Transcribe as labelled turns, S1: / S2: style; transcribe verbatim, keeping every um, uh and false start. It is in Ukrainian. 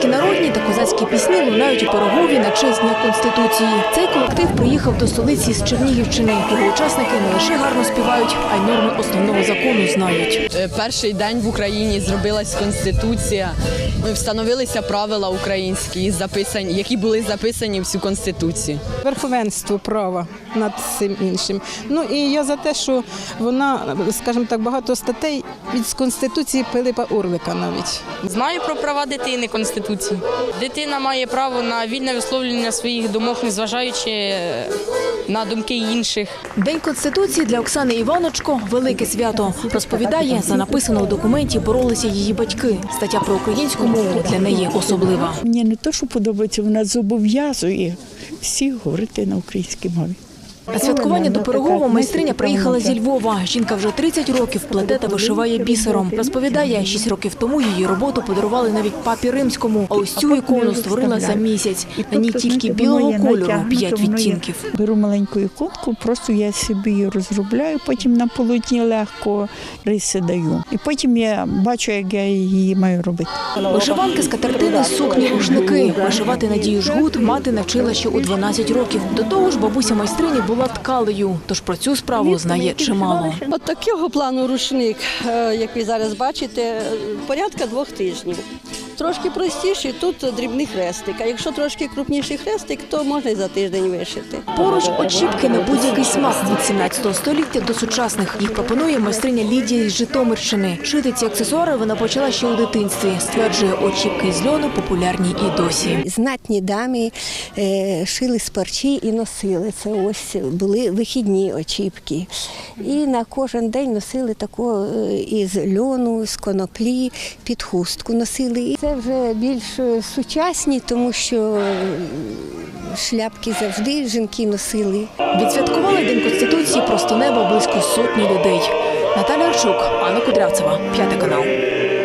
S1: Українські народні та козацькі пісні лунають у Пирогові на честь Дня Конституції. Цей колектив приїхав до столиці з Чернігівщини. Його учасники не лише гарно співають, а й норми основного закону знають.
S2: Перший день в Україні зробилась Конституція. Встановилися правила українські, які були записані в цю Конституцію.
S3: Верховенство права над цим іншим. Ну і я за те, що вона, скажімо так, багато статей від Конституції Пилипа Орлика навіть.
S4: Знаю про права дитини Конституції. Дитина має право на вільне висловлювання своїх думок, незважаючи на думки інших.
S1: День Конституції для Оксани Іваночко – велике свято. Розповідає, за написано у документі боролися її батьки. Стаття про українську мову для неї особлива.
S5: Мені не те, що подобається, вона зобов'язує всіх говорити на українській мові.
S1: На святкування до Пирогова майстриня приїхала зі Львова. Жінка вже тридцять років плете та вишиває бісером. Розповідає, шість років тому її роботу подарували навіть папі Римському. А ось цю ікону створила за місяць. На ній тільки білого кольору п'ять відтінків.
S5: Беру маленьку іконку, просто я собі її розробляю, потім на полотні легко риси даю. І потім я бачу, як я її маю робити.
S1: Вишиванки, скатертини, сукні, рушники. Вишивати Надію Жгут мати навчила ще у дванадцять років. До того ж, бабуся майстрині була ткалею, тож про цю справу знає чимало.
S6: От такого плану рушник, як ви зараз бачите, порядка двох тижнів. Трошки простіший, тут дрібний хрестик, а якщо трошки крупніший хрестик, то можна і за тиждень вишити.
S1: Поруч очіпки на будь-який смак від сімнадцятого століття до сучасних. Їх пропонує майстриня Лідія із Житомирщини. Шити ці аксесуари вона почала ще у дитинстві. Стверджує, очіпки з льону популярні і досі.
S7: Знатні дамі е, шили з парчі і носили. Це ось були вихідні очіпки. І на кожен день носили таку із льону, з коноплі, під хустку носили. Це вже більш сучасні, тому що шляпки завжди жінки носили.
S1: Відсвяткували День Конституції просто неба близько сотні людей. Наталя Арчук, Анна Кудрявцева, П'ятий канал.